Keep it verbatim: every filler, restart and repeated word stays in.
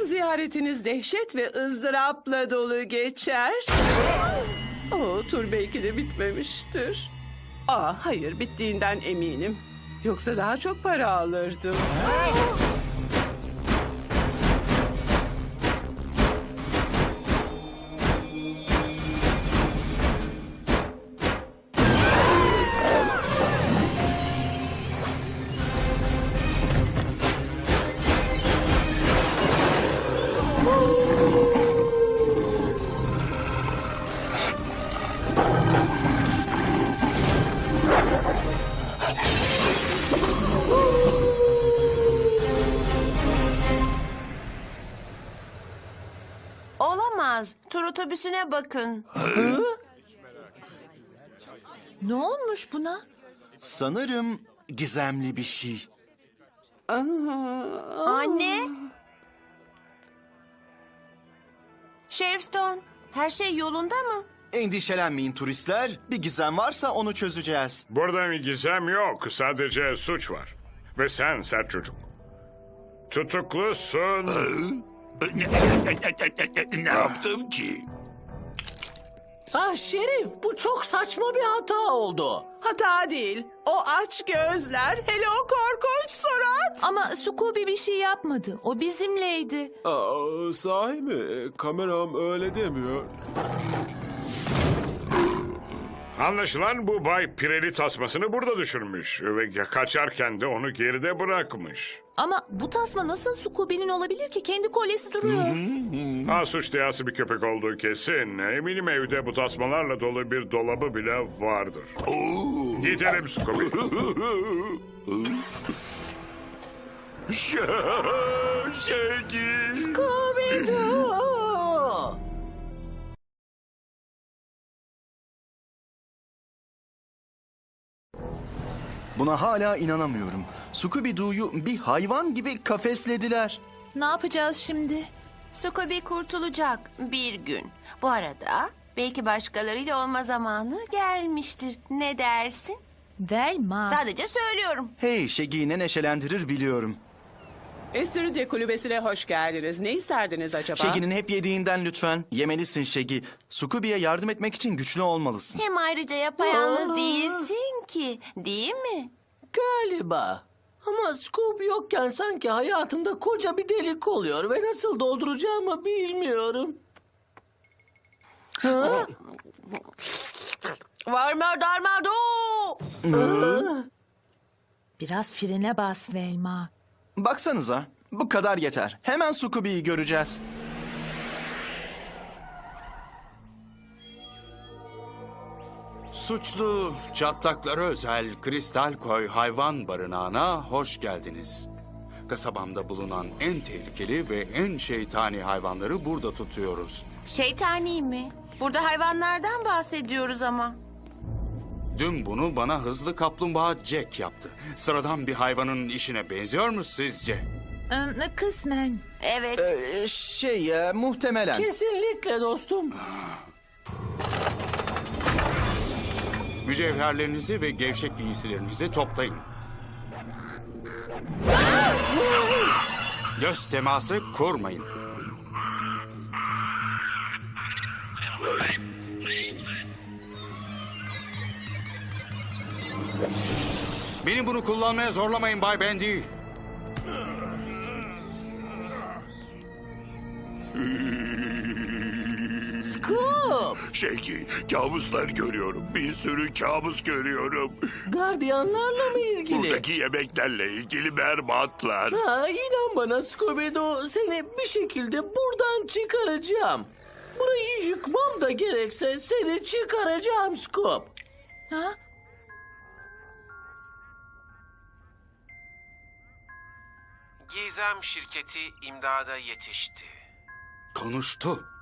ziyaretiniz dehşet ve ızdırapla dolu geçer. O tur belki de bitmemiştir. Aa, hayır, bittiğinden eminim. Yoksa daha çok para alırdım. Olamaz. Tur otobüsüne bakın. Ne olmuş buna? Sanırım gizemli bir şey. Anne. Sheriff Stone, her şey yolunda mı? Endişelenmeyin turistler. Bir gizem varsa onu çözeceğiz. Burada bir gizem yok. Sadece suç var. Ve sen sert çocuk. Tutuklusun. Ne, ne yaptım ki? Ah Şerif, bu çok saçma bir hata oldu. Hata değil. O aç gözler, hele o korkunç surat. Ama Scooby bir şey yapmadı. O bizimleydi. Aa, sahi mi? Kameram öyle demiyor. Anlaşılan bu Bay Pireli tasmasını burada düşürmüş. Ve kaçarken de onu geride bırakmış. Ama bu tasma nasıl Scooby'nin olabilir ki? Kendi kolyesi duruyor. Ha, suç diyası bir köpek olduğu kesin. Eminim evde bu tasmalarla dolu bir dolabı bile vardır. Gidelim Scooby. Şegi. Scooby-Doo! Buna hala inanamıyorum. Scooby-Doo'yu bir hayvan gibi kafeslediler. Ne yapacağız şimdi? Scooby kurtulacak bir gün. Bu arada belki başkalarıyla olma zamanı gelmiştir. Ne dersin? Velma. Sadece söylüyorum. Hey, Şegi'yi ne neşelendirir biliyorum. Estiridye kulübesine hoş geldiniz. Ne isterdiniz acaba? Şegi'nin hep yediğinden lütfen. Yemelisin Şegi. Scooby'ye yardım etmek için güçlü olmalısın. Hem ayrıca yapayalnız Aa. değilsin ki. Değil mi? Galiba. Ama Scoop yokken sanki hayatımda koca bir delik oluyor ve nasıl dolduracağımı bilmiyorum. Ha? Varma darma do. Biraz frene bas Velma. Baksanıza, bu kadar yeter. Hemen Scooby'yi göreceğiz. Suçlu çatlaklara özel Kristal Koy hayvan barınağına hoş geldiniz. Kasabamda bulunan en tehlikeli ve en şeytani hayvanları burada tutuyoruz. Şeytani mi? Burada hayvanlardan bahsediyoruz ama. Dün bunu bana hızlı kaplumbağa Jack yaptı. Sıradan bir hayvanın işine benziyor mu sizce? Ee, kısmen. Evet. Ee, şey, e, muhtemelen. Kesinlikle dostum. Mücevherlerinizi ve gevşek giysilerinizi toplayın. Göz teması kurmayın. Beni bunu kullanmaya zorlamayın Bay Bendy. Scoop! Şegi, kabuslar görüyorum. Bir sürü kabus görüyorum. Gardiyanlarla mı ilgili? Buradaki yemeklerle ilgili berbatlar. Ha, inan bana Scooby-Doo, seni bir şekilde buradan çıkaracağım. Burayı yıkmam da gerekse seni çıkaracağım Scoop. Ha? Gizem şirketi imdada yetişti. Konuştu.